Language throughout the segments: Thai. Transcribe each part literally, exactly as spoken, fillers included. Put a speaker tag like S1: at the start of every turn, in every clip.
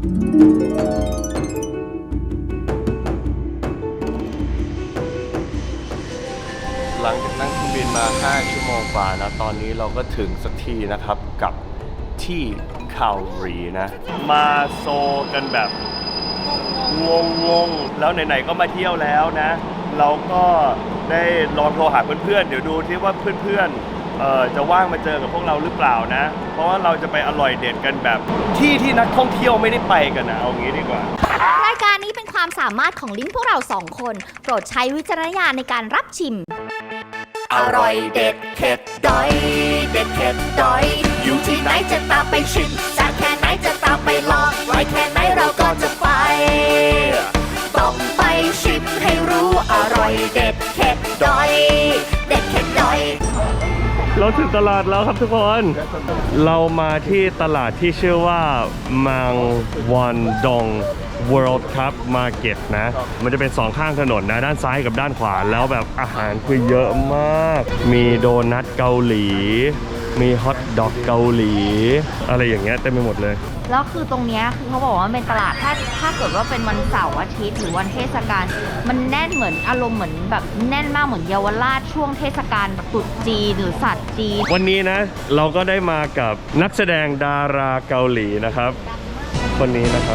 S1: หลังจากนั่งเครื่องบินมาห้าชั่วโมงกว่านะตอนนี้เราก็ถึงสักทีนะครับกับที่คาลรีนะมาโซกันแบบงงงๆแล้วไหนๆก็มาเที่ยวแล้วนะเราก็ได้ลองโทรหาเพื่อนๆเดี๋ยวดูที่ว่าเพื่อนๆเอ่อจะว่างมาเจอกับพวกเราหรือเปล่านะเพราะว่าเราจะไปอร่อยเด็ดกันแบบที่ที่นักท่องเที่ยวไม่ได้ไปกันนะเอางี้ดีกว่าร
S2: ายการนี้เป็นความสามารถของลิ้นพวกเราสองคนโปรดใช้วิจารณญาณในการรับชิมอร่อยเด็ดเผ็ดดอยเด็ดเผ็ดดอยอยู่ที่ไหนจะตามไปชิมจากแค่ไหนจะตามไปลองไว้แค่ไหนเราก็จะไปต้องไปชิมให้รู้อร่อยเด็ดเผ็ดดอยเด็ดเผ็ดดอย
S1: เราถึงตลาดแล้วครับทุกคนเรามาที่ตลาดที่ชื่อว่ามังวันดง World Cup Market นะมันจะเป็นสองข้างถนนนะด้านซ้ายกับด้านขวาแล้วแบบอาหารคือเยอะมากมีโดนัทเกาหลีมีฮอทดอกเกาหลีอะไรอย่างเงี้ยเต็มไปหมดเลย
S2: แล้วคือตรงเนี้ยคือเขาบอกว่าเป็นตลาดถ้าถ้าเกิดว่าเป็นวันเสาร์อาทิตย์หรือวันเทศกาลมันแน่นเหมือนอารมณ์เหมือนแบบแน่นมากเหมือนเยาวราชช่วงเทศกาลตรุษจีนหรือศาสตร์จีน
S1: วันนี้นะเราก็ได้มากับนักแสดงดาราเกาหลีนะครับคนนี้นะครับ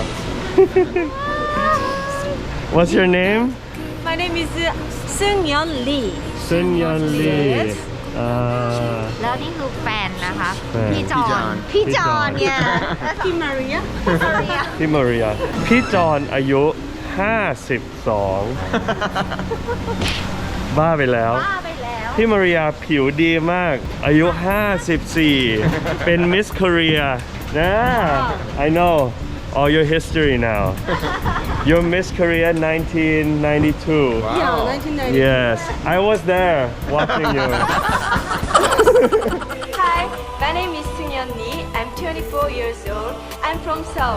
S1: What's your name?
S3: My name is Seung-yeon Lee.
S1: Seung-yeon Lee.
S2: แล้วนี่คือแฟนนะคะ
S1: พี่จอน
S2: พี่จอนเนี่ย
S3: พี่มาริยา
S1: พี่มาริยาพี่จอนอายุห้าสิบสองบ้าไปแล้ว
S2: บ้าไปแล้ว
S1: พี่มาริยาผิวดีมากอายุห้าสิบสี่เป็น Miss Korea นะ I know all your history now you're Miss Korea nineteen ninety-two
S3: wow. Yeah, nineteen ninety-two.
S1: Yes I was there watching you
S3: Hi my name is Seung-yeon Lee I'm twenty-four years old I'm from Seoul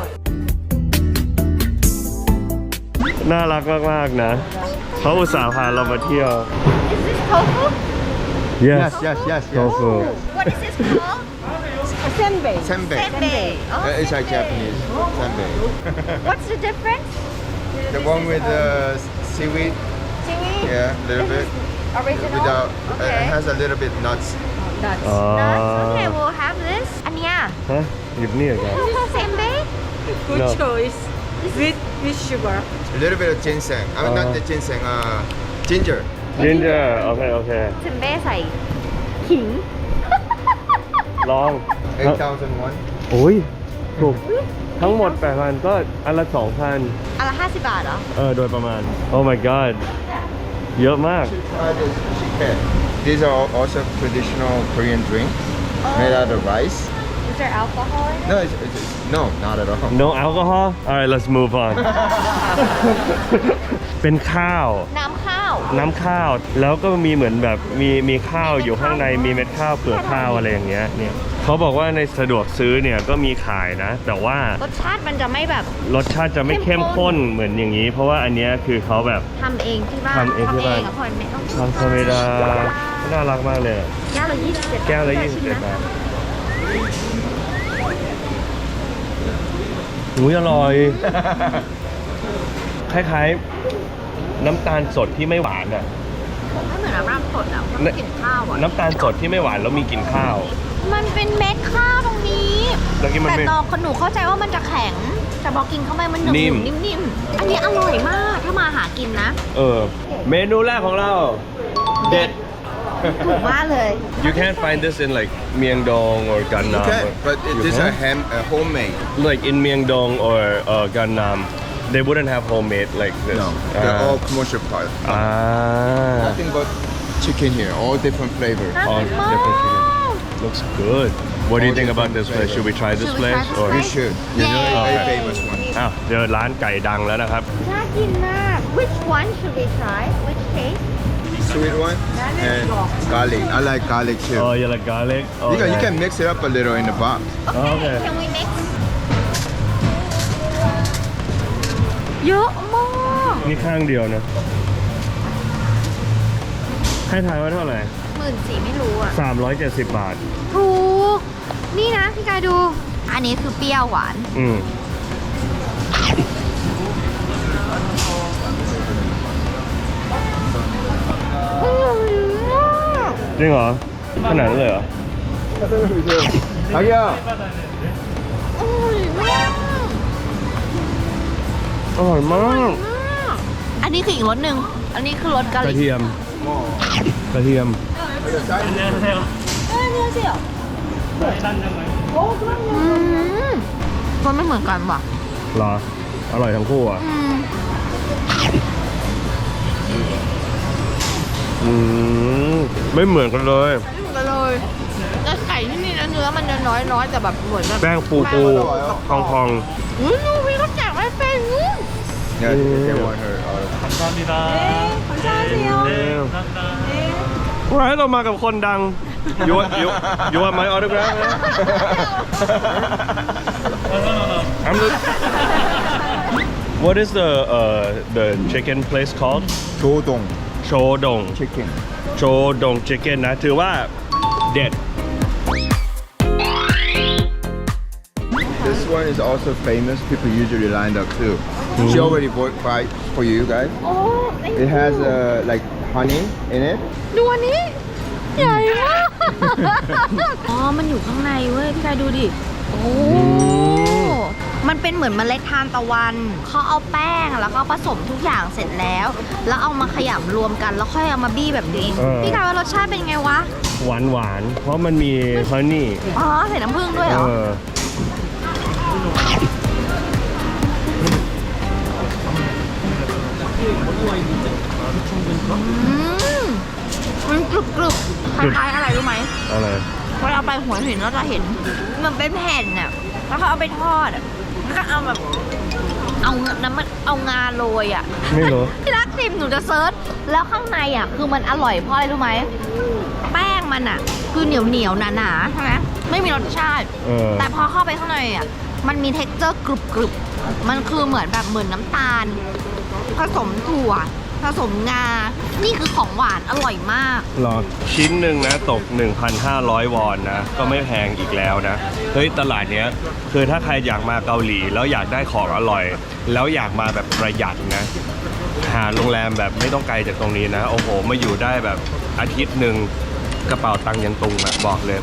S1: น่ารักมากๆนะเขาอุตส่าห์พาเรามาเที่ยว
S2: Is this tofu?
S1: Yes
S4: Yes, yes, yes, yes.
S1: tofu
S2: What is this called?
S3: Senbei
S4: Senbei.
S2: Senbei. Oh,
S4: Uh, it's like
S2: senbei.
S4: Japanese. Senbei.
S2: What's the difference?
S4: The one with the seaweed,
S2: Seaweed?
S4: yeah, a little bit.
S2: Original?
S4: Without, uh,
S2: Okay.
S4: it has a little bit nuts.
S3: Nuts
S1: อ๋อ
S2: Nuts. Okay, we'll have this. อันเนี้ย
S1: ฮะหยิบนี่เหรอครับ
S2: Senbei?
S3: Good
S1: No.
S3: choice with with sugar
S4: A little bit of ginseng. I mean,
S1: Uh.
S4: not the ginseng, uh, ginger.
S1: Ginger โอเคโอเค
S2: เซมเบ้ใส่ขิง
S1: ลอง
S4: eight thousand won.
S1: โอ้ยถูกทั้งหมด แปดพัน ก็อันละ สองพัน
S2: อันละห้าสิบบาทเหรอ
S1: เออโดยประมาณ Oh my god เยอะมาก
S4: Try this chicken. These are also traditional Korean drinks made out of rice.
S2: Is there alcohol in it?
S4: No, it's, it's, no, not at all.
S1: No alcohol alright let's move on เป็นข้าว
S2: น้ำข้าว
S1: น้ำข้าวแล้วก็มีเหมือนแบบมีมีข้าวอยู่ข้างในมีเม็ดข้าวเปลือกข้าวอะไรอย่างเงี้ยเนี่ยเขาบอกว่าในสะดวกซื้อเนี่ยก็มีขายนะแต่ว่าร
S2: สชาติมันจะไม่แบบ
S1: รสชาติจะไม่เข้มข้นเหมือนอย่างนี้ เพราะว่าอันเนี้ยคือเขาแบบ
S2: ทำเองที่บ้าน
S1: ทำเองที่บ้าน
S2: อะคนไม่ต้อง
S1: ทำธรรมดาน่ารักมากเลยอะ
S2: แก้วละยี่สิบเจ็ด
S1: แก้วละยี่สิบเจ็ดบาทอุ้ยอร่อย คล้ายๆน้ำตาลสดที่ไม่หวานอ่ะ
S2: ไม่เหมือนน้ำราดสดอ่ะมันกลิ่นข้าวอ่ะ
S1: น้ำตาลสดที่ไม่หวานแล้วมีกลิ่นข้าว
S2: มันเป็นเม็ดข้าวตรงนี้
S1: แล้วกินมัน
S2: แต่
S1: ไม่
S2: ตอนหนูเข้าใจว่ามันจะแข็งแต่พอกินเข้าไปมันหนึบ
S1: นิ่ม
S2: นิ่มๆอันนี้อร่อยมากถ้ามาหากินนะ
S1: เออเมนูแรกของเราเด็ด
S2: ถูกมากเลย
S1: You can't find this in like Myeongdong or Gangnam.
S4: Okay,
S1: or-
S4: but it
S1: You
S4: is a
S1: can?
S4: ham, a homemade.
S1: Like in Myeongdong or uh, Gangnam, they wouldn't have homemade like this.
S4: No, they're
S1: Ah.
S4: all commercial part.
S1: Ah,
S4: Nothing but chicken here, all different flavors.
S1: all different chicken. Looks good. What do you
S4: All
S1: think about
S4: different
S1: this place?
S4: flavors.
S1: Should we try this
S2: Should we try
S1: place
S2: this
S1: or?
S4: You should. It's a very, very famous one.
S1: อ้าวเจอร้านไก่ดังแล้วนะครับ
S2: น่ากินมาก Which one should we try Which taste
S4: Sweet one and garlic. I like garlic too.
S1: Oh, you like garlic? Oh,
S4: You can, you
S1: okay.
S4: can mix it up a little in the box.
S1: Okay.
S2: Can we mix เยอะมาก
S1: นี่ข้างเดียวนะ ให้ทายว่าเท่าไหร่
S2: หมื่นสี่ไม่รู้อ่ะ
S1: สามร้อยเจ็ดสิบบาท
S2: ถูก นี่นะพี่กายดู อันนี้คือเปรี้ยวหวาน
S1: อืมจริงเหรอขนาดนั้นเลยเหรอ
S4: 자기야.
S1: อร่อยมาก
S2: อันนี้คืออีกรสหนึ่งอันนี้คือรสกะห
S1: กระ
S2: รี่
S1: เทียมกระเทียม
S2: อืมมันไม่เหมือนกันว่ะ
S1: เหรออร่อยทั้งคู่อ่ะ
S2: อืม
S1: อืมไม่เหมือนกันเลย
S2: ไม่เหมือนกันเลยแต่ไก่ที่นี่นะเนื้อมันจะน้อยน้อยๆแต่แบบเหมือนแบบ
S1: แป้งปูปูพองพอง
S2: อุ้ยนูวีเขาแจกไม่เป็นอืม
S4: Yeah, they want her. Uh,
S1: ๆว้ายเรามากับคนดังยูยูยูว่าไมออโตกราฟนะ I'm the- What is the uh the chicken place called
S4: 조동
S1: โชดง
S4: chicken.
S1: โชดง chicken นะถือว่าเด็ด
S4: This one is also famous. People usually lined up too. She already bought five for you guys.
S2: โอ้
S4: It has uh, like honey in it.
S2: ดูอันนี้ ใหญ่มาก อ๋อ มันอยู่ข้างในเว้ย พี่กายดูดิ โอ้ มันเป็นเหมือนเมล็ดทานตะวัน เขาเอาแป้งแล้วก็ผสมทุกอย่างเสร็จแล้ว แล้วเอามาขยำรวมกันแล้วค่อยเอามาบี้แบบนี้
S1: เออ
S2: พี่กายว่ารสชาติเป็นไงวะ
S1: หวานหวานๆเพราะมันมีฮันนี่
S2: อ๋อ ใส่น้ำผึ้งด้วยเหร
S1: เอ
S2: อ
S1: อ
S2: อืมมันกรุบกรุบคล้ายๆอะไรรู้ไหม
S1: อะไร
S2: เวลาไปหัวหินเราจะเห็นมันเป็นแผ่นน่ะแล้วเขาเอาไปทอดอ่ะแล้วก็เอาแบบเอาน้ำมันเอางาโรยอ่ะ
S1: ไม่รู้
S2: ที่รักทิมหนูจะเซิร์ชแล้วข้างในอ่ะคือมันอร่อยเพราะอะไรรู้ไหมแป้งมันอ่ะ คือเหนียวเหนียวๆหนาๆใช่ไหมไม่มีรสชาติ
S1: เออ
S2: แต่พอเข้าไปข้างในอ่ะมันมีเท็กเจอร์กรุบกรุบมันคือเหมือนแบบเหมือนน้ำตาล ผสมถั่วผสมงา นี่คือของหวานอร่อยมาก
S1: หรอชิ้นหนึ่งนะตก หนึ่งพันห้าร้อย วอนนะ ก็ไม่แพงอีกแล้วนะ เฮ้ย ตลาดเนี้ย คือถ้าใครอยากมาเกาหลี แล้วอยากได้ของอร่อย แล้วอยากมาแบบประหยัดนะ หาโรงแรมแบบไม่ต้องไกลจากตรงนี้นะ โอ้โห มาอยู่ได้แบบอาทิตย์หนึ่งกระเป๋าตังค์ยังตุงอะบอกเลย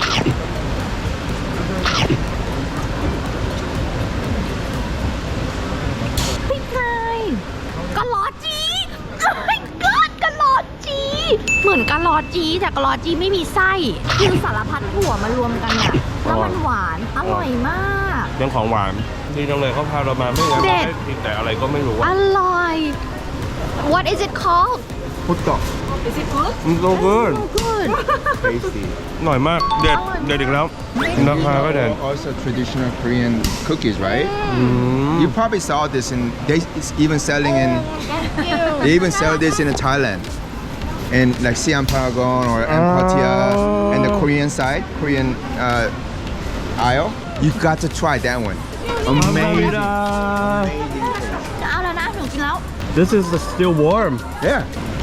S2: พี่ไก่กะลอจีโอ้ my god กะลอจี เหมือนกะลอจีแต่กะลอจีไม่มีไส้ คือสารพัดถั่วมารวมกันอะแล้วมันหวาน อร่อยมาก
S1: เรื่องของหวานดีจังเลยเขาพาเรามาไม่งั้น
S2: เด็
S1: เรา
S2: ด
S1: ได้กินแต่อะไรก็ไม่รู้
S2: อ
S1: อะ
S2: ร่อย What is it called
S4: 호떡.
S1: มันโซเกิน
S2: Good
S4: Tasty.
S1: หน่อยมาก เด็ด เด็ดอีกแล้ว ราคาก็เด็ด
S4: These are also traditional Korean cookies, right?
S1: อืม
S4: You probably saw this in. They it's even selling in. They even sell this in Thailand, in like Siam Paragon or Empattia, and the Korean side, Korean uh, aisle. You got to try that one. Amazing.
S2: จะเอาแล้วนะหนูกินแล้ว
S1: This is still warm
S4: Yeah.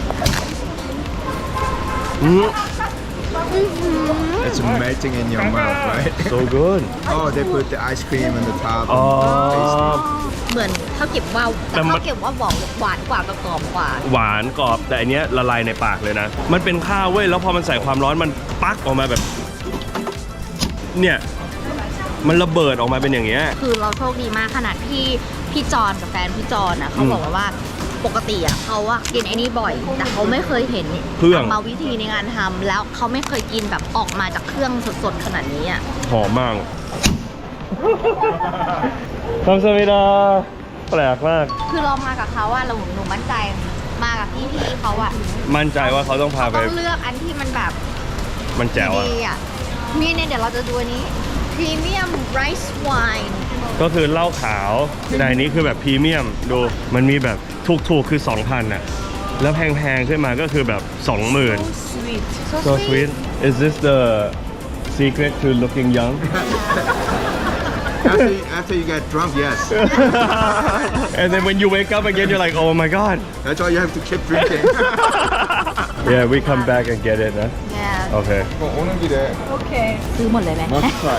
S1: อืม
S4: It's melting in your mouth, right?
S1: so good
S4: Oh, they put the ice cream on the top.
S1: อ๋อ
S4: Tasty.
S2: เหมือนข้าวเก็บว่าว
S1: แต่
S2: แต่
S1: มัน
S2: ข้าวเก็บว่าวบอกหวานกว่ากับกรอบกว่า
S1: หวานกรอบแต่อันเนี้ยละลายในปากเลยนะ มันเป็นข้าวเว้ยแล้วพอมันใส่ความร้อนมันปักออกมาแบบ เนี่ย มันระเบิดออกมาเป็นอย่างเงี้ย
S2: คือเราโชคดีมากขนาดพี่พี่จอนกับแฟนพี่จอนนะเขาบอกว่าปกติอ่ะเขาอะกินไอ้นี่บ่อย แต่เขาไม่เคยเห็น
S1: เครื่อง
S2: กรรมวิธีในการทำแล้วเขาไม่เคยกินแบบออกมาจากเครื่องสดๆขนาดนี้อ่ะ
S1: หอมมากทำสมิดาแปลกมาก
S2: คือเรามากับเขาอะเราหนูมั่นใจมากับพี่พี่ๆเขาอะ
S1: มั่นใจว่าเขาต้องพาไป
S2: ต้องเลือกอันที่มันแบบ
S1: มันแจ๋วอะ
S2: ดีอะนี่เนี่ยเดี๋ยวเราจะดูอันนี้พรีเมียมไรซ์ไวน์
S1: ก็คือเหล้าขาวในนี้คือแบบพรีเมียมดูมันมีแบบถูกๆคือ สองพัน อ่ะ แล้วแพงๆขึ้นมาก็คือแบบ สองหมื่น
S2: sweet
S1: so sweet is this the secret to looking young
S4: After you, after you get drunk, yes.
S1: and then when you wake up again you're like oh my god
S4: That's why you have to keep drinking.
S1: yeah we come back and get it นะ
S2: yeah
S1: โอเค
S4: 어, 오는 길에
S2: ซื้อหมดเลยไหม
S4: must try.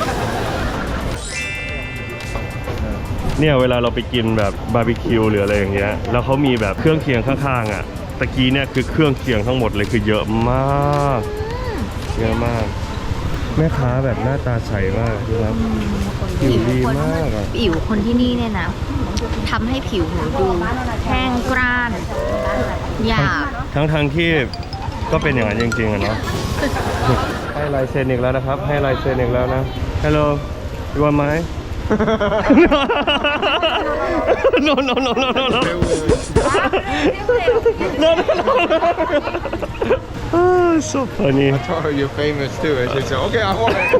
S1: เนี่ยเวลาเราไปกินแบบบาร์บีคิวหรืออะไรอย่างเงี้ยแล้วเขามีแบบเครื่องเคียงข้างๆอ่ะตะกี้เนี่ยคือเครื่องเคียงทั้งหมดเลยคือเยอะมากเยอะมาก แม่ค้าแบบหน้าตาใสมากดูครับผิวดีมากอะ
S2: ผิวคนที่นี่เนี่ยนะทำให้ผิวหนูดูแห้งกร้านหยาบ
S1: ทั้งทางที่ก็เป็นอย่างนั้นจริงๆอะเนาะ ให้ลายเซ็นอีกแล้วนะครับ ให้ลายเซ็นอีกแล้วนะ Hello you want mine no no no no no no no no no oh so funny
S4: I told her you're famous too, and she said, "Okay, I want it."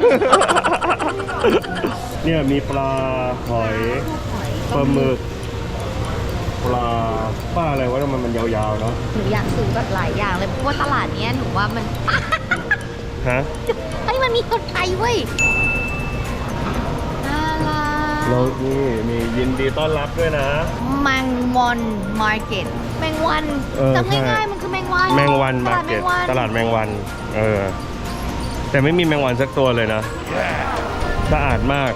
S1: เนี่ยมีปลาหอยปลาหมึกปลาป้าอะไรวะมันมันยาวๆเนาะ
S2: หนูอยากซื้อแบบหลายอย่างเลยเพราะว่าตลาดเนี้ยหนูว่ามัน
S1: ฮะ
S2: ไอ้ยมันมีคนไทยเว้ยน่ารัก
S1: เรานี่มียินดีต้อนรับด้วยนะ
S2: แมงวันมาร์เก็ตแมงวัน
S1: เออ
S2: จำ
S1: ใช่
S2: ง่ายๆมันคือแมงวัน
S1: แมงวันมา
S2: ตลา
S1: ร์
S2: ดแม
S1: เก็ต
S2: งวัน
S1: ตลาดแมงวัน เออ แต่ไม่มีแมงวันสักตัวเลยนะ สะอาดมาก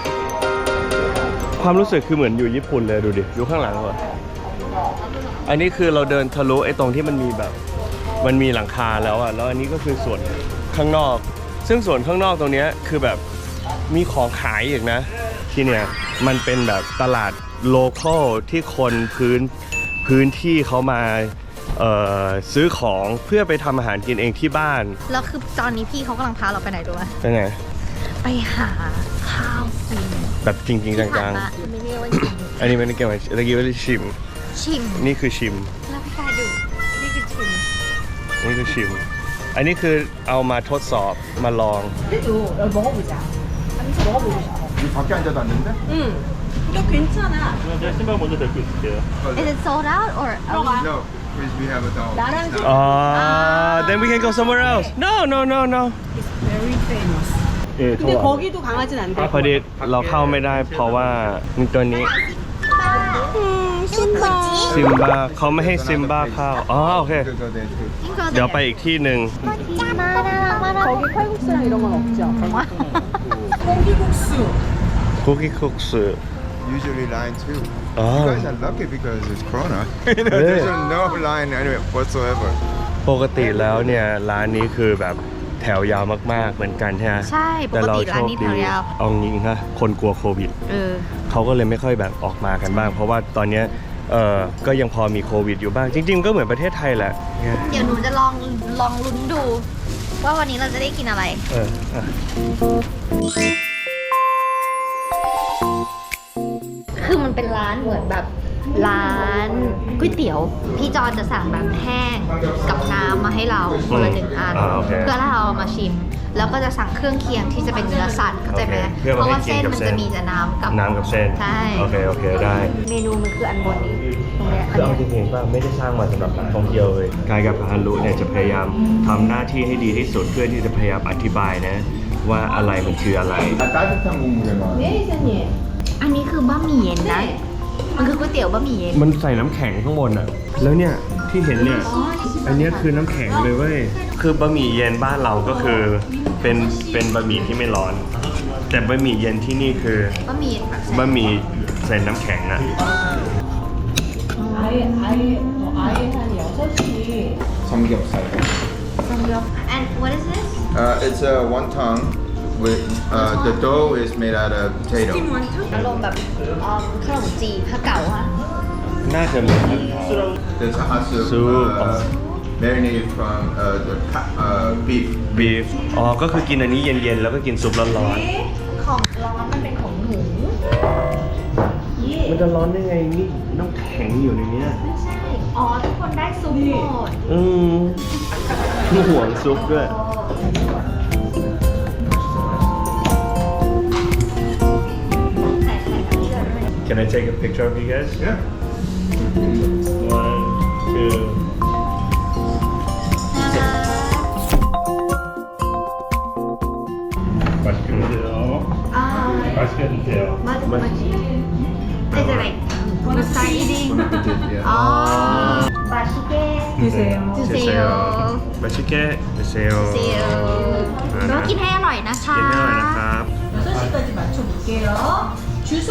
S1: ความรู้สึกคือเหมือนอยู่ญี่ปุ่นเลยดูดิ ดูข้างหลังเหรออันนี้คือเราเดินทะลุไอ้ตรงที่มันมีแบบ มันมีหลังคาแล้วอ่ะ แล้วอันนี้ก็คือส่วนข้างนอก ซึ่งส่วนข้างนอกตรงเนี้ยคือแบบมีของขายอีกนะ ที่เนี่ยมันเป็นแบบตลาดโลคอลที่คนพื้นพื้นที่เขามาเอ่อซื้อของเพื่อไปทำอาหารกินเองที่บ้าน
S2: แล้วคือตอนนี้พี่เขากำลังพาเราไปไหนรู้ไหม
S1: ไปไหน
S2: ไปหาข้าวกิน
S1: แบบจริงจริง
S2: ที่ผ่า
S1: จั
S2: น
S1: ง
S2: มาไม่เรียกว่ากิน
S1: ๆ อันนี้ไม่ได้เกี่ยวกับตะกี้ว่าชิม
S2: ชิม
S1: นี่คือชิม
S2: แล้วพี่กายดูนี่คือชิม
S1: นี่คือชิม อันนี้คือเอามาทดสอบมาลอง
S4: 이 밖에 앉아도 안 된대?
S3: 응. 이거 괜찮아.
S1: 제가 신발 먼저 데리고 있을게요.
S2: Is it sold out or
S4: No, because we have a dog.
S3: 나랑
S4: It's not-
S1: Ah, then we can go somewhere else. No, no, no, no.
S3: very famous.
S1: เอ๊ะ
S3: 근데 거기도 강아지는 안 돼.
S1: พอดีเราเข้าไม่ได้เพราะว่ามีตัวนี้
S2: ซิมบ้า
S1: ซิมบ้าเขาไม่ให้ซิมบ้าเข้าอ๋อโอเค
S4: Go there too.
S1: เดี๋ยวไปอีกที่หนึ่ง
S2: มาน่ารักมาก
S3: 거기 칼국수랑 이런 건 없죠.
S2: ว่า
S3: 콩비국수.
S1: คุกกี้คุกสือ
S4: Usually line two.
S1: Oh.
S4: You guys are lucky because it's Corona. You know, there's no line anyway whatsoever.
S1: ปกติแล้วเนี่ยร้านนี้คือแบบแถวยาวมากๆเหมือนกันใช่ไหม
S2: ใช่ป
S1: แต่
S2: ก
S1: เรา
S2: ติ
S1: โช
S2: ร้าน
S1: ค
S2: นี้
S1: ดี
S2: แถวยาว
S1: เอาจริงนะคนกลัวโควิด
S2: เออ
S1: เขาก็เลยไม่ค่อยแบบออกมากันบ้าง เพราะว่าตอนเนี้ยเออก็ยังพอมีโควิดอยู่บ้าง จริง ๆ ก็เหมือนประเทศไทยแหละเนี่ย
S2: เดี๋ยวหนูจะลองลองลุ้นดู ว่าวันนี้เราจะได้กินอะไร
S1: เอออ่ะ
S2: คือมันเป็นร้านเหมือนแบบร้านก๋วยเตี๋ยว พี่จอนจะสั่งแบบแห้งกับน้ำมาให้เราคนละหนึ่งอัน
S1: อ่าโอเค
S2: เพื่อให้เราเอามาชิม แล้วก็จะสั่งเครื่องเคียงที่จะเป็นเนื้อสัตว์เข้าใจไหม
S1: โอเคเพื่อ
S2: เพ
S1: มา
S2: ราะ
S1: ให้
S2: ว่า
S1: กิน
S2: เส้น
S1: กับ
S2: มัน
S1: เส้
S2: จะ
S1: น
S2: มีแต่น้ำกับ
S1: น้ำกับเส้น
S2: ใช่
S1: โอเคโอเคได้
S2: เมนูมันคืออันบนนี้ตรงเนี้ยอัน
S1: คือเอา
S2: เนี้ย
S1: จริงๆป่ะไม่ได้สร้างมาสำหรับนักท่องเที่ยวเลยกายกับฮารุเนี่ยจะพยายามทำหน้าที่ให้ดีที่สุดเพื่อที่จะพยายามอธิบายนะว่าอะไรมันคืออะไร
S4: 아, 따뜻한 국물에 막.
S3: 네, 이사님.
S2: อันนี้คือบะหมี่เย็นนะ มันคือก๋วยเตี๋ยวบะหมี่เย็น
S1: มันใส่น้ำแข็งข้างบนอ่ะ แล้วเนี่ยที่เห็นเนี่ย อันเนี้ยคือน้ำแข็งเลยเว้ย คือบะหมี่เย็นบ้านเราก็คือเป็นเป็นบะหมี่ที่ไม่ร้อน แต่บะหมี่เย็นที่นี่คือบ
S2: ะหมี่เย็นแบบ
S1: บะหมี่ใส่น้ำแข็งอ่ะ
S3: 아예 아예 어, 아예 한 여섯 시.
S4: 삼겹살.
S2: ซัมยอก and what is this
S4: Uh, it's a wonton with uh, the dough is made out of potato.
S2: อารมณ์แบบเอิ่มขนมจีบผ้าเก่าอะ
S1: น่าจะเหมือน
S4: There's a hot soup,
S1: Soup.
S4: uh, marinated from uh, the pa- uh, beef.
S1: บีฟ อ๋อ ก็คือกินอันนี้เย็นๆ แล้วก็กินซุปร้อน
S2: ของร้อนมันเป็นของหนู
S1: ๆ มันจะร้อนได้ไงนี่น้ำแข็งอยู่ในเนี้ย
S2: ไม่ใช่ อ๋อ ทุกคนได้ซุปหมด
S1: อืมมีห่วงซุปด้วย
S2: ใส่ไข่กับเลือดด้วย
S1: Can I take a picture of you guys?
S4: Yeah.
S1: One, two. 맛있게 드세요.
S2: 아,
S1: 맛있게 드세요.
S2: 맞, 맞지. Is it like you start eating?
S4: Yeah.
S2: 아, 맛있게
S3: 드세요.
S2: 드세요.
S1: 맛있게 드세요.
S2: 드세요. แล้วกินให้อร่อยนะคะ
S1: กินให้อร่อยนะครับ
S3: 여섯 시까지 맞춰볼게요. 주소.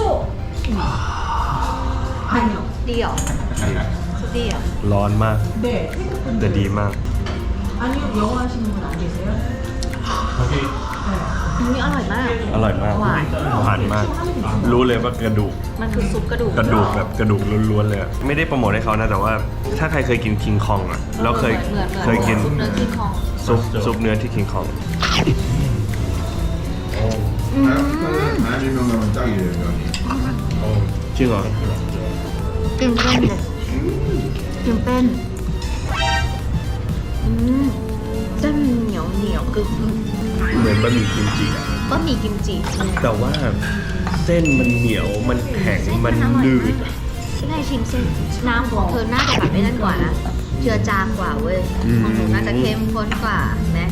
S3: 아니요.
S2: ดีเหรอดีเหรอ
S1: ร้อนมาก
S3: 네.
S1: แต่ดีมาก
S3: 아니요. 영어 하시는 분 안 계세요?
S2: อันนี้อร่อยมาก
S1: อร่อยมาก
S2: หวาน
S1: หวานมาก รู้เลยว่ากระดูก
S2: มันคือซุปกระดูก
S1: กระดูกแบบกระดูกล้วนๆเลยอะไม่ได้โปรโมทให้เขานะแต่ว่าถ้าใครเคยกินคิงคองอ่ะแล้วเคย
S2: หมือนๆ
S1: เคยกิน
S2: เนื้อกินของ
S1: ซุปซุปเนื้อที่คิงคอง
S4: 한일 명당은 짱이래요 면이.
S1: จริงเหรอ
S2: กินเส้นเลยกินเป็นอืมเส้นเหนียวเหนียวกึ่ง
S1: เหมือนบะหมี่กิมจิอะ
S2: ก็มีกิมจิ
S1: แต่ว่าเส้นมันเหนียวมันแข็งมันนืดอะ
S2: ที่ไงชิมเส้นน้ำของเธอน่าจะแบบไม่นั่นกว่านะเจือจางกว่าเว้ยของหนูน่าจะเข้มข้นกว่าเห็นไหม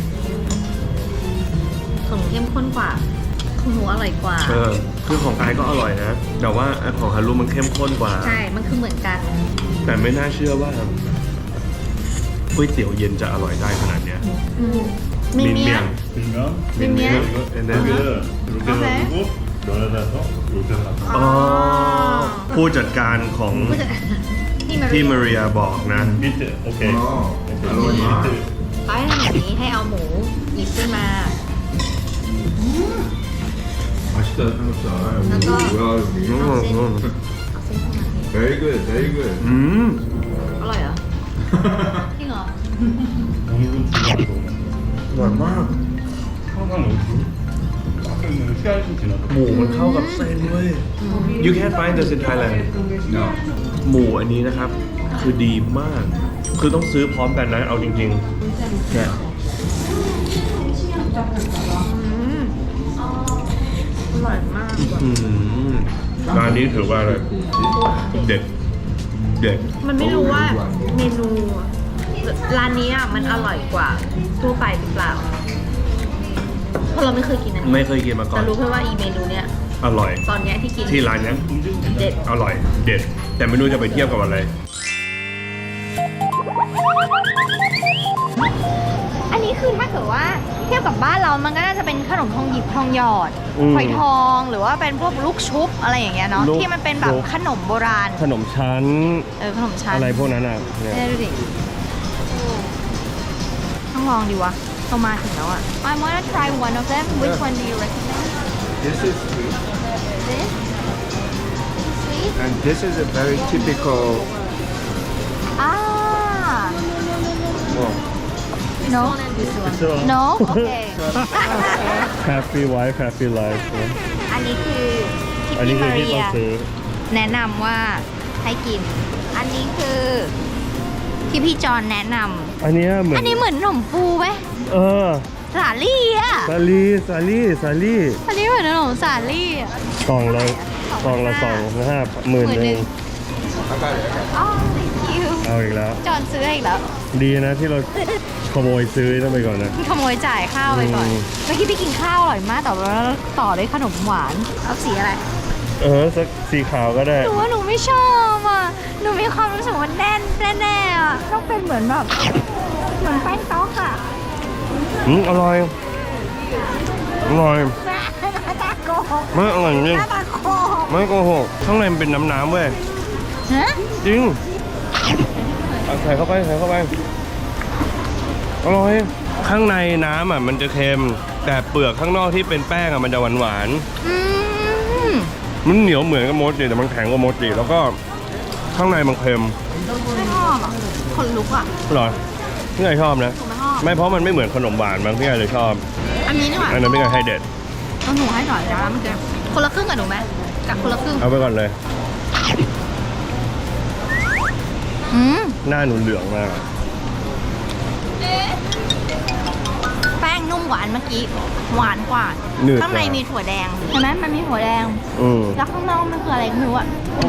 S2: ของหนูเข้มข้นกว่าของหนูอร่อยกว่า
S1: เออคือของกายก็อร่อยนะ แต่ว่าไอ้ของฮารุมันเข้มข้นกว่า
S2: ใช่มันคือเหมือนกัน
S1: แต่ไม่น่าเชื่อว่าก๋วยเตี๋ยวเย็นจะอร่อยได้ขนาดเนี้ย
S2: อืมมีเมีย
S5: 밀면
S2: 밀면?
S1: and then
S5: 여기를 이렇게
S2: 오케이.
S5: 놔두고 면에다가 이렇게 놔둬.
S1: อ๋อผู้จัดการของ
S2: ผู้จัดที่มา
S1: ที่มาเรียบอกนะ
S5: 밑에 오케이.
S4: 어,
S5: 오케이.
S4: 알로하.
S5: 밑에
S2: เขาให้ทำแบบนี้ให้เอาหมูหยิบขึ้นมา
S4: 맛있다 삼겹살.
S2: 아까-
S4: 뭐야 여기.
S1: อืมอืม
S2: เอาเส้นเข้ามา
S4: Very good, very good.
S1: อืม
S2: อร่อยเหรอจริงเหรอ
S5: 오늘은 주말이고
S1: อร่อยมาก
S5: 항상 여기 가끔 시간이 좀 지나서
S1: หมูมันเข้ากับเส้นเว้ย You can't find this in Thailand
S4: No.
S1: หมูอันนี้นะครับ คือดีมาก คือต้องซื้อพร้อมกันนะ เอาจริงๆเนี่ย
S2: อืมอร่อยมากว่ะ
S1: อืมร้านนี้ถือว่าอะไรเด็ด เด็ด
S2: มันไม่รู้ว่าเมนูร้านนี้อ่ะมันอร่อยกว่าทั่วไปหรือเปล่าเพราะเราไม่เคยกินอันนี้
S1: ไม่เคยกินมาก่อ
S2: แต่
S1: น
S2: รู้แค่ว่าอีเมนูเนี้ย
S1: อร่อย
S2: ตอนเนี้ยที่กิน
S1: ที่ร้านเนี้ย
S2: เด็ด
S1: อร่อย เด็ด แต่ไม่รู้จะไปเทียบกับอะไร
S2: อันนี้คือถ้าเกิดว่าเทียบกับบ้านเรามันก็น่าจะเป็นขนมทองหยิบทองหยอด
S1: อืม
S2: ฝอยทองหรือว่าเป็นพวกลูกชุบอะไรอย่างเงี้ยเนาะ
S1: ลูก
S2: ที่มันเป็นแบบ
S1: ลูก
S2: ขนมโบราณ
S1: ขนมชั้น
S2: เออขนมชั้น
S1: อะไรพวกนั้นอ่ะเนี่ย
S2: เนี่ยดูดิต้องลองดีวะเรามาถึงแล้วอ่ะ I wanna try one of them which one do you recommend
S4: This is sweet,
S2: this sweet
S4: and this is a very typical.
S2: อ่า
S4: Well,
S2: no no okay
S1: Happy wife Happy life
S2: อันนี้คือที่
S1: อันนี้
S2: พี่
S1: คือ
S2: มา
S1: ที่
S2: เรี
S1: ต้อย งซื้อ
S2: แนะนำว่าให้กิน อันนี้คือที่พี่จอนแนะน
S1: อันเนี้ยเหมื
S2: ำ
S1: อน
S2: อันนี้เหมือนขนมปูไหม
S1: เออ
S2: สาลี่อ่ะ
S1: สาลีสาลีสาลี
S2: อันนี้เหมือนขนมสาลี่อ่ะ
S1: กล่องละกล่องละสองห้าหมื่นหนึ่ง
S2: อ๋อ thank you
S1: เอาอีกแล้ว
S2: จอนซื้ออีกแล้ว
S1: ดีนะที่เราขโมยซื้อนั่นไปก่อนนะ
S2: ขโมยจ่ายข้าวไปก่อน
S1: อืม
S2: เมื่อกี้พี่กินข้าวอร่อยมากแต่ว่าต่อด้วยขนมหวาน เอาสีอะไร
S1: เออสักสีขาวก็ได้
S2: หนูว่าหนูไม่ชอบอ่ะ หนูมีความรู้สึกว่าแน่นแน่ๆอ่ะ ต้องเป็นเหมือนแบบ เหมือนแป้งต๊อกอ่ะ
S1: อืมอร่อย อร่อย
S2: ตาโกหก
S1: ไม่อร่อยจริง
S2: ตาโกหก
S1: ไม่โกหกข้างในมันเป็นน้ำน้ำๆเว้ย
S2: ฮะ
S1: จริงเอาใส่เข้าไปใส่เข้าไป อร่อย ข้างในน้ำอ่ะมันจะเค็ม แต่เปลือกข้างนอกที่เป็นแป้งอ่ะมันจะหวานหวาน
S2: อืม
S1: ๆมันเหนียวเหมือนกับโมจิแต่มันแข็งกว่าโมจิแล้วก็ข้างในมันเค็ม
S2: ไม่ชอบอ่ะคนลุกอ่ะ
S1: เหรอพี่ไงชอบนะ
S2: หนูไม่ชอบ
S1: ไม่เพราะมันไม่เหมือนขนมหวานบางพี่ไงเลยชอบ
S2: อันนี้นี่หว่า
S1: อันนั้นพี่ไงให้เด็ด
S2: ต้องหนูให้หน่อยนะมันจะคนละครึ่งกับหนูไหมกับคนละครึ่ง
S1: เอาไปก่อนเลย
S2: อืม
S1: หน้าหนูเหลืองมาก
S2: แป้งนุ่มหวานเมื่อกี้ หวานกว่า
S1: หนืดกว่า
S2: ข้างในมีถั่วแดงเห็นไหมมันมีถั่วแดง
S1: อืม
S2: แล้วข้างนอกมันคืออะไรไม่รู้อ่ะ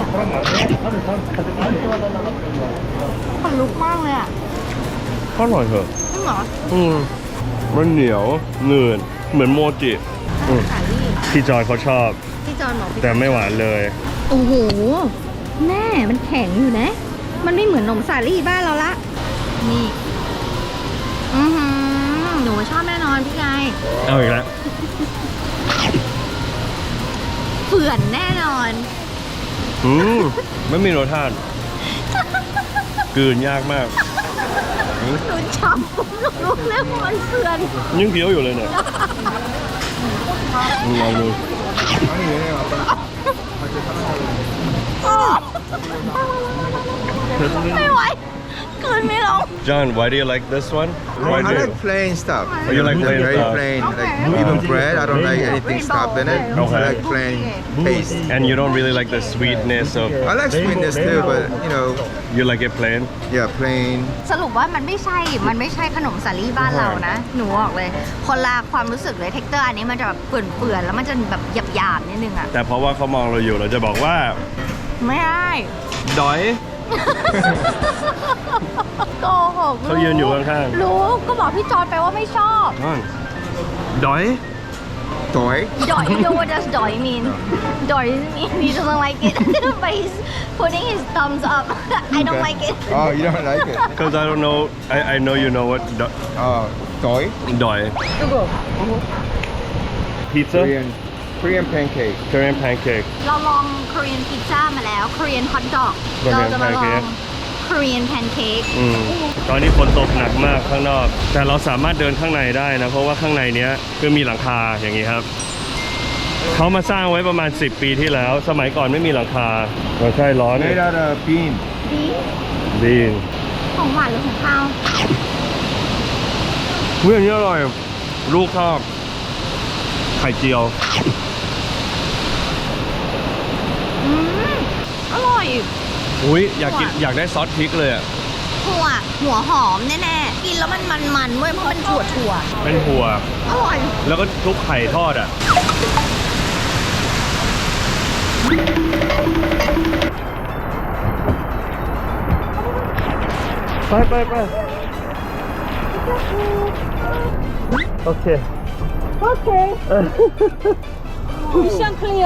S2: คนลุกมากเลยอ่ะ
S1: ก็อร่อยเถอะ
S2: จริงเหรอ
S1: อืมมันเหนียวหนืดเหมือนโมจิอืม
S2: สาลี่
S1: พี่จอยเขาชอบ
S2: พี่จอนบอกพี่
S1: แต่ไม่หวานเลย
S2: โอ้โหแม่มันแข็งอยู่นะ มันไม่เหมือนนมสาลี่บ้านเราละ นี่ อือหือหนูชอบแน่นอนพี่ไง
S1: เอาอีกแล้ว
S2: เฝื่อนแน่นอน
S1: อืมไม่มีรสชาติกลืนยากมาก
S2: หนูจำรู้เรื่องว่ามันเพื่อน
S1: ยังเคี้ยวอยู่เลยเนี่ยลองดู
S4: 아니 얘네 아빠
S2: ไม่ไหวคืนไม่ลง
S1: John why do you like this one why
S4: I
S1: do
S4: like plain stuff.
S1: Oh, you like
S4: They're
S1: plain
S4: very
S1: stuff?
S4: plain. Like even bread, I don't like anything stuffed in it.
S1: Okay.
S4: I like plain taste.
S1: and you don't really like the sweetness of
S4: I like sweetness too, but you know,
S1: you like it plain
S4: yeah, plain.
S2: สรุปว่ามันไม่ใช่ มันไม่ใช่ขนมสาลี่บ้านเรานะ หนูบอกเลย คนละความรู้สึกเลย เท็กเจอร์อันนี้มันจะแบบเปื่อนๆ แล้วมันจะแบบหยาบๆนิดนึงอ่ะ
S1: แต่เพราะว่าเขามองเราอยู่เราจะบอกว่า
S2: ไม่ได้
S1: ดอย
S2: โกหก
S1: เขายืนอยู่ข้างๆ
S2: รู้ ก็บอกพี่จอร์ดไปว่าไม่ชอบ
S1: ดอย
S4: Toy.
S2: ดอย you know what does ดอย mean ดอย mean he doesn't like it but he's putting his thumbs up I don't like it
S4: Oh, you don't like it?
S1: because I don't know I I know you know what ด
S4: Oh, toy.
S1: ดอย pizza
S4: Korean, Korean pancake.
S1: Korean pancake
S2: เราลอง Korean pizza มาแล้ว Korean hot dog
S1: Korean
S2: เราจะมาลอง
S1: pancake
S2: Korean pancake
S1: อืมตอนนี้ฝนตกหนักมากข้างนอก แต่เราสามารถเดินข้างในได้นะ เพราะว่าข้างในเนี้ยคือมีหลังคาอย่างนี้ครับ เขามาสร้างไว้ประมาณสิบปีที่แล้ว สมัยก่อนไม่มีหลังคาเราใช่ร้อน
S4: Made out of bean.
S2: ดี
S1: ดี
S2: ของหวานหรือของข้าว
S1: เฮ้ยอันนี้อร่อย ลูกชอบไข่เจียว
S2: อืมอร่อย
S1: อุ้ยอยากกินอยากได้ซอสพริกเลยอ่ะ
S2: หัวหัวหอมแน่ๆ กินแล้วมันมันๆเว้ยเพราะมันถั่วถั่ว
S1: เป็นหัว
S2: ๆอร่อย
S1: แล้วก็ทุกไข่ทอดอ่ะ ไปไปไปโอเค
S2: โอเคมิชชั่นเคลียร์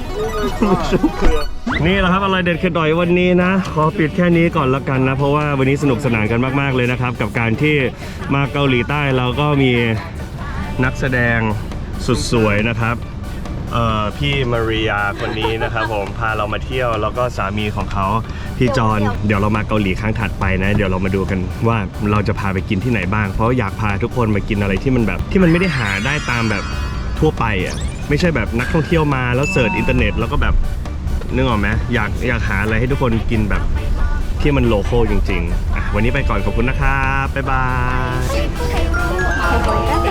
S1: นี่แหละครับอะไรเด็ดเข็ดดอยวันนี้นะ ขอปิดแค่นี้ก่อนละกันนะ เพราะว่าวันนี้สนุกสนานกันมากๆเลยนะครับ กับการที่มาเกาหลีใต้เราก็มีนักแสดงสุดสวยนะครับเอ่อพี่มาริยาคนนี้นะครับผมพาเรามาเที่ยวแล้วก็สามีของเขาพี่จอนเดี๋ยวเรามาเกาหลีครั้งถัดไปนะ เดี๋ยวเรามาดูกันว่าเราจะพาไปกินที่ไหนบ้าง เพราะอยากพาทุกคนมากินอะไรที่มันแบบที่มันไม่ได้หาได้ตามแบบทั่วไปอ่ะไม่ใช่แบบนักท่องเที่ยวมาแล้วเสิร์ชอินเทอร์เน็ตแล้วก็แบบนึกออกไหมอยากอยากหาอะไรให้ทุกคนกินแบบที่มันโลคอลจริงๆอ่ะวันนี้ไปก่อนขอบคุณนะครับบ๊ายบาย